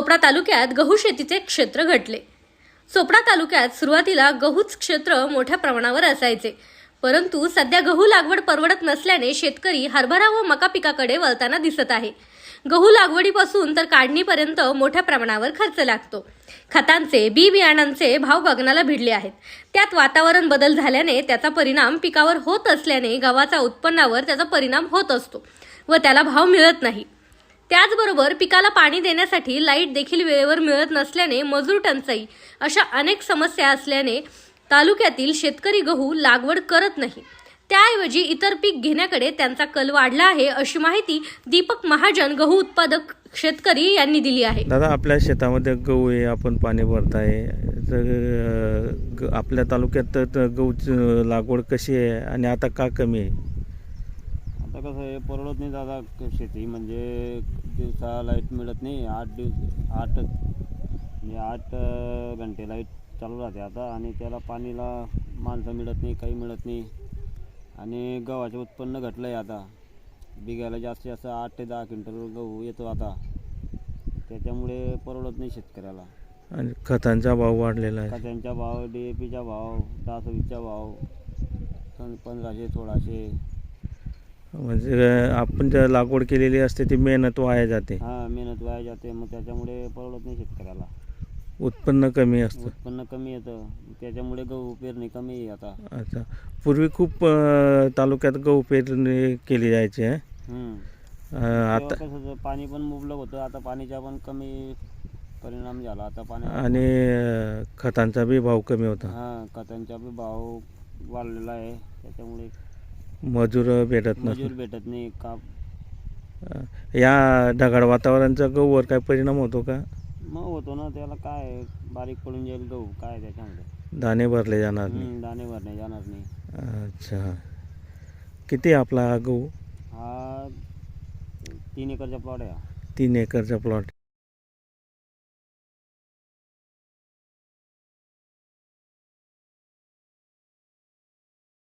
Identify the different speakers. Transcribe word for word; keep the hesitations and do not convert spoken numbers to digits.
Speaker 1: चोपडा तालुक्यात गहू शेतीचे क्षेत्र घटले। चोपडा तालुक्यात सुरुवातीला गहूच क्षेत्र मोठ्या प्रमाणावर असायचे, परंतु सध्या गहू लागवड परवडत नसल्याने शेतकरी हरभरा व मका पिकाकडे वळताना दिसत आहे। गहू लागवडीपासून तर काढणीपर्यंत मोठ्या प्रमाणावर खर्च लागतो। खतांचे, बी बियाणांचे भाव गगनाला भिडले आहेत। त्यात वातावरण बदल झाल्याने त्याचा परिणाम पिकावर होत असल्याने गव्हाच्या उत्पन्नावर त्याचा परिणाम होत असतो व त्याला भाव मिळत नाही। त्याचबरोबर पिकाला पाणी देण्यासाठी लाईट देखील वेळेवर मिळत नसल्याने मजूर टंचाई अशा अनेक समस्या असल्याने तालुक्यातील शेतकरी गहू लागवड करत नाही, त्याऐवजी इतर पीक घेण्याकडे त्यांचा कल वाढला आहे, अशी माहिती दीपक महाजन गहू उत्पादक शेतकरी यांनी दिली आहे।
Speaker 2: दादा, आपल्या शेतामध्ये गहू आहे, आपण पाणी भरताय, तर आपल्या तालुक्यात तर गहूची लागवड कशी आहे आणि आता का कमी आहे?
Speaker 3: आता कसं आहे, परवडत नाही दादा शेती, म्हणजे दिवसा लाईट मिळत नाही। आठ दिवस आठ म्हणजे आठ घंटे लाईट चालू राहते आता, आणि त्याला पाणीला माणसं मिळत नाही, काही मिळत नाही। आणि गव्हाचे उत्पन्न घटलं आहे आता, बिघायला जास्तीत जास्त आठ ते दहा क्विंटल गहू येतो आता, त्याच्यामुळे परवडत नाही शेतकऱ्याला।
Speaker 2: आणि खतांचा भाव वाढलेला आहे,
Speaker 3: खतांचा भाव, डी ए पीचा भाव, दहा सव्वीसचा भाव, पंधराशे सोळाशे,
Speaker 2: म्हणजे आपण ज्या लागवड केलेली असते ती मेहनत वाया जाते।
Speaker 3: हां, मेहनत वाया जाते, मग त्याच्यामुळे परवडत नाही शेतकऱ्याला।
Speaker 2: उत्पन्न कमी असतं,
Speaker 3: उत्पन्न कमी येतं, त्याच्यामुळे गहू पेरणी कमी आहे आता।
Speaker 2: अच्छा, पूर्वी खूप अ, तालुक्यात गहू पेरणी केली जायची आहे।
Speaker 3: हम्म
Speaker 2: अ, आता
Speaker 3: कसं होतं, पाणी पण मुबलक होतं, आता पाणीचा पण कमी परिणाम झाला आता पाणी।
Speaker 2: आणि अ, खतांचा बी भाव कमी होता,
Speaker 3: हां, खतांचा बी भाव वाढलेला आहे, त्याच्यामुळे
Speaker 2: मजूर भेटत
Speaker 3: मजूर
Speaker 2: नसतो।
Speaker 3: भेटत नाही का।
Speaker 2: या ढगाळ वातावरणाचा गहूवर काय परिणाम होतो का?
Speaker 3: मग होतो ना, त्याला काय बारीक पडून जाईल गहू, काय त्याच्यामध्ये
Speaker 2: दाणे भरले जाणार नाही।
Speaker 3: हम्म, दाणे भरणे जाणार नाही।
Speaker 2: अच्छा, किती आहे आपला हा गहू?
Speaker 3: हा तीन एकरचा प्लॉट आहे हा।
Speaker 2: तीन एकरचा प्लॉट।